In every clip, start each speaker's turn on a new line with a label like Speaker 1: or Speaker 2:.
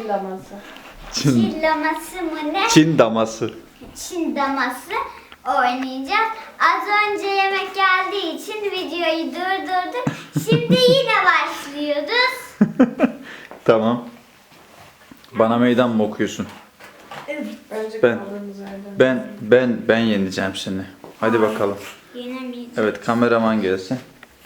Speaker 1: Çin daması.
Speaker 2: Çin daması mı ne?
Speaker 3: Çin daması.
Speaker 2: Çin daması oynayacağız. Az önce yemek geldiği için videoyu durdurduk. Şimdi yine başlıyoruz.
Speaker 3: Tamam. Bana meydan mı okuyorsun?
Speaker 1: Önce
Speaker 3: Ben-
Speaker 1: kaldığımız yerden.
Speaker 3: Ben yeneceğim seni. Hadi bakalım.
Speaker 2: Yenemeyeceğiz.
Speaker 3: Evet, kameraman gelsin.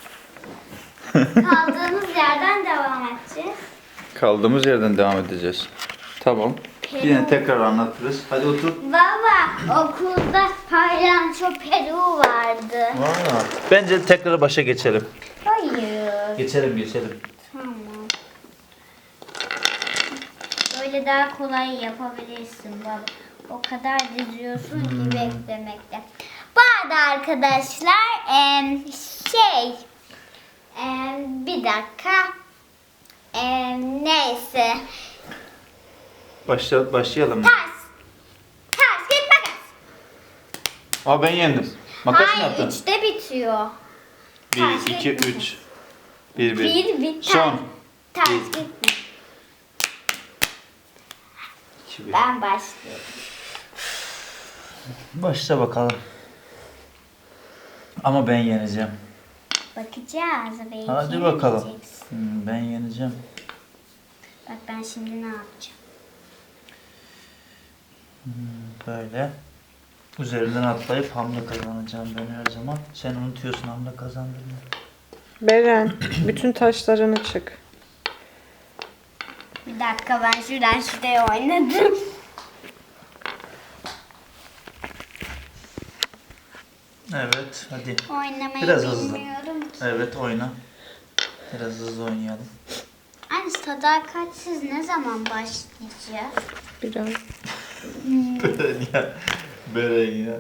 Speaker 2: Kaldığımız yerden devam edeceğiz.
Speaker 3: Kaldığımız yerden devam edeceğiz. Tamam. Yine tekrar anlatırız. Hadi otur.
Speaker 2: Baba okulda paylanço Peru vardı.
Speaker 3: Bence tekrar başa geçelim.
Speaker 2: Hayır.
Speaker 3: Geçelim.
Speaker 2: Tamam. Böyle daha kolay yapabilirsin baba. O kadar diziyorsun ki beklemekte. Bu arada arkadaşlar bir dakika. Neyse.
Speaker 3: Başlayalım mı?
Speaker 2: Ters git makas.
Speaker 3: Aa, ben yendim. Makas mı
Speaker 2: Hayır
Speaker 3: yaptın?
Speaker 2: 3'te bitiyor. Ters
Speaker 3: 1, 2,
Speaker 2: gitme.
Speaker 3: 3. 1.
Speaker 2: Bir
Speaker 3: Son.
Speaker 2: ters
Speaker 3: Bir.
Speaker 2: gitme.
Speaker 3: 2, 1.
Speaker 2: Ben başlıyorum.
Speaker 3: Başla bakalım. Ama ben yeneceğim.
Speaker 2: Bakacağız. Belki
Speaker 3: Hadi bakalım.
Speaker 2: yenemeyeceksin.
Speaker 3: Ben yeneceğim.
Speaker 2: Bak ben şimdi ne yapacağım?
Speaker 3: Böyle. Üzerinden atlayıp hamle kazanacağım ben her zaman. Sen unutuyorsun hamle kazandığını.
Speaker 1: Beren, bütün taşlarını çık.
Speaker 2: Bir dakika ben şuraya oynadım.
Speaker 3: Evet, hadi.
Speaker 2: Oynamayı
Speaker 3: Biraz hızlı.
Speaker 2: bilmiyorum ki.
Speaker 3: Evet, oyna. Biraz hızlı oynayalım.
Speaker 2: Anne sadakatsiz ne zaman başlayacağız?
Speaker 1: Biraz.
Speaker 3: Beren ya.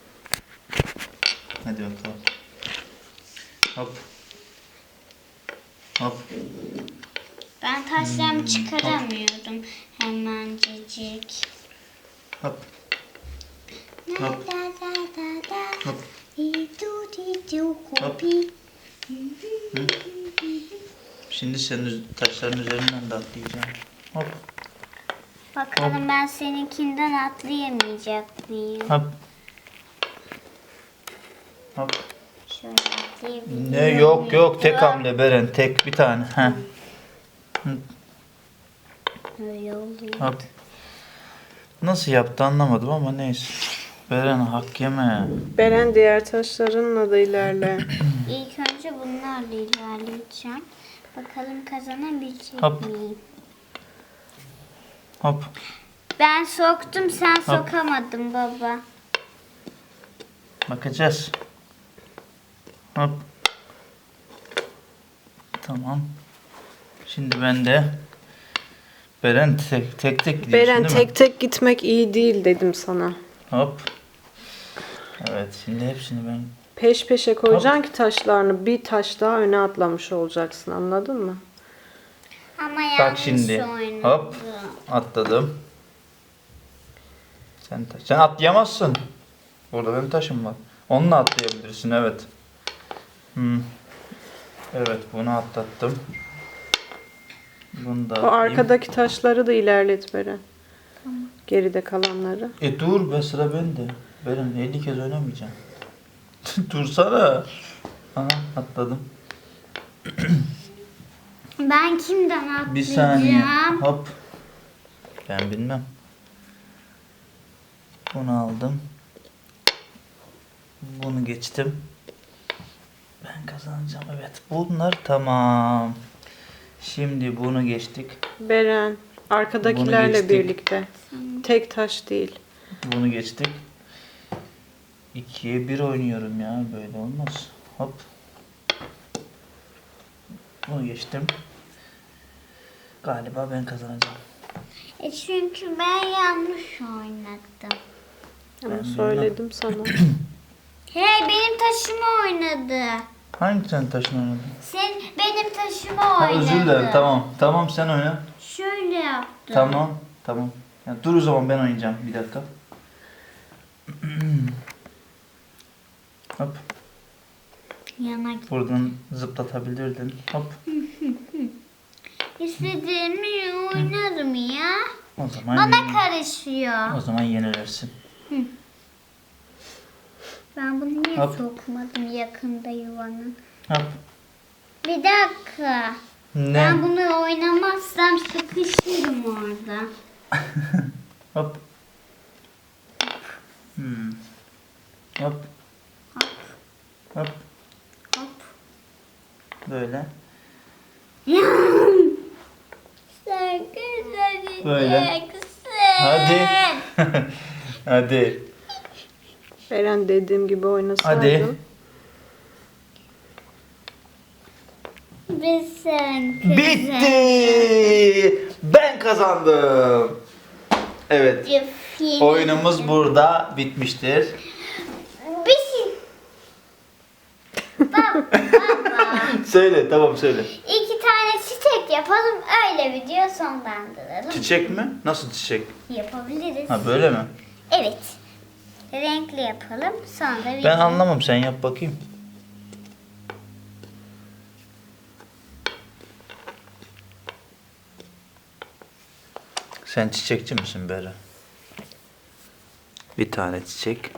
Speaker 3: Hadi bakalım. Hop. Hop.
Speaker 2: Ben taşlarımı çıkaramıyorum hemencecik.
Speaker 3: Hop.
Speaker 2: Da
Speaker 3: Hop.
Speaker 2: da da da da.
Speaker 3: Hop.
Speaker 2: Di-du di-du
Speaker 3: Hop.
Speaker 2: kopi.
Speaker 3: Şimdi senin taşların üzerinden de atlayacağım. Hop.
Speaker 2: Bakalım ben seninkinden atlayamayacak mıyım?
Speaker 3: Hop. Hop.
Speaker 2: Şöyle atlayabiliyor
Speaker 3: Ne yok tek
Speaker 2: muyum?
Speaker 3: hamle Beren, tek bir tane. Heh.
Speaker 2: Öyle oluyor.
Speaker 3: Hop. Nasıl yaptı anlamadım ama neyse. Beren hak yeme.
Speaker 1: Beren diğer taşlarınla da ilerle.
Speaker 2: İlk önce bunlarla ilerleyeceğim. Bakalım kazanabilecek
Speaker 3: Hop.
Speaker 2: miyim?
Speaker 3: Hop.
Speaker 2: Ben soktum sen sokamadın baba.
Speaker 3: Bakacağız. Hop. Tamam. Şimdi ben de Beren tek gidiyorsun
Speaker 1: Beren
Speaker 3: değil mi?
Speaker 1: tek tek gitmek iyi değil dedim sana.
Speaker 3: Hop. Evet, şimdi hepsini ben...
Speaker 1: Peş peşe koyacaksın ki taşlarını bir taş daha öne atlamış olacaksın, anladın mı?
Speaker 2: Ama yanlış
Speaker 3: Bak şimdi.
Speaker 2: oynadım.
Speaker 3: Hop. Atladım. Sen atlayamazsın. Burada benim taşım var. Onunla atlayabilirsin, evet. Evet, bunu atlattım. Bunu da
Speaker 1: O
Speaker 3: atlayayım.
Speaker 1: arkadaki taşları da ilerlet Beren. Geride kalanları.
Speaker 3: Dur be, sıra bende. Benim 50 kez oynamayacağım. Dursana. Aha, atladım.
Speaker 2: Ben kimden atlayacağım?
Speaker 3: Bir saniye. Hop. Ben bilmem. Bunu aldım. Bunu geçtim. Ben kazanacağım, evet. Bunlar tamam. Şimdi bunu geçtik.
Speaker 1: Beren,
Speaker 3: Bunu
Speaker 1: arkadakilerle
Speaker 3: geçtik.
Speaker 1: birlikte. Tek taş değil.
Speaker 3: Bunu geçtik. 2'ye 1 oynuyorum ya. Böyle olmaz. Hop. Bunu geçtim. Galiba ben kazanacağım.
Speaker 2: Çünkü ben yanlış oynadım.
Speaker 1: Ama
Speaker 3: Ben
Speaker 1: söyledim sana.
Speaker 2: Hey benim taşımı oynadı.
Speaker 3: Hangi sen taşın oynadın?
Speaker 2: Sen benim taşımı
Speaker 3: Ha,
Speaker 2: oynadı.
Speaker 3: özür dilerim. Tamam. Tamam, sen oyna.
Speaker 2: Şöyle yaptım.
Speaker 3: Tamam. Ya, dur o zaman, ben oynayacağım. Bir dakika. Hop.
Speaker 2: Yana git.
Speaker 3: Buradan zıplatabilirdin. Hop.
Speaker 2: İstediğimi oynadım. durmuyor.
Speaker 3: O zaman
Speaker 2: Bana karışıyor.
Speaker 3: o zaman yenilirsin.
Speaker 2: Ben bunu niye
Speaker 3: Hop.
Speaker 2: sokmadım yakında yuvanın?
Speaker 3: Hop.
Speaker 2: Bir dakika.
Speaker 3: Ne?
Speaker 2: Ben bunu oynamazsam sıkışırım orada.
Speaker 3: Hop. Hop. Hop.
Speaker 2: Hop.
Speaker 3: Böyle.
Speaker 2: Sen güzel
Speaker 3: Böyle.
Speaker 2: gideceksin.
Speaker 3: Hadi. Hadi.
Speaker 1: Eren dediğim gibi oynasaydın.
Speaker 3: Hadi.
Speaker 2: Biz sen
Speaker 3: Bitti. Ben kazandım. Evet. Oyunumuz burada bitmiştir.
Speaker 2: Bir şey. Baba.
Speaker 3: Söyle, tamam söyle.
Speaker 2: 2 tane çiçek yapalım, öyle video sonlandıralım.
Speaker 3: Çiçek mi? Nasıl çiçek?
Speaker 2: Yapabiliriz.
Speaker 3: Ha böyle mi?
Speaker 2: Evet. Renkli yapalım, sonra
Speaker 3: Ben
Speaker 2: video.
Speaker 3: anlamam, sen yap bakayım. Sen çiçekçi misin Bera? Bir tane çiçek.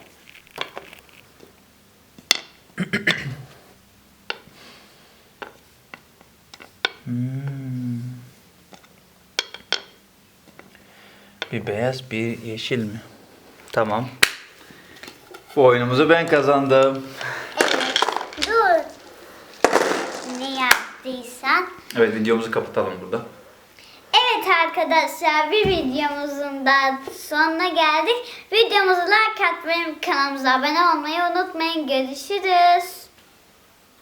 Speaker 3: Bir beyaz, bir yeşil mi? Tamam. Bu oyunumuzu ben kazandım.
Speaker 2: Evet. Dur. Ne yaptıysan.
Speaker 3: Evet, videomuzu kapatalım burada.
Speaker 2: Evet arkadaşlar, bir videomuzun da sonuna geldik. Videomuzu like atmayı, kanalımıza abone olmayı unutmayın. Görüşürüz.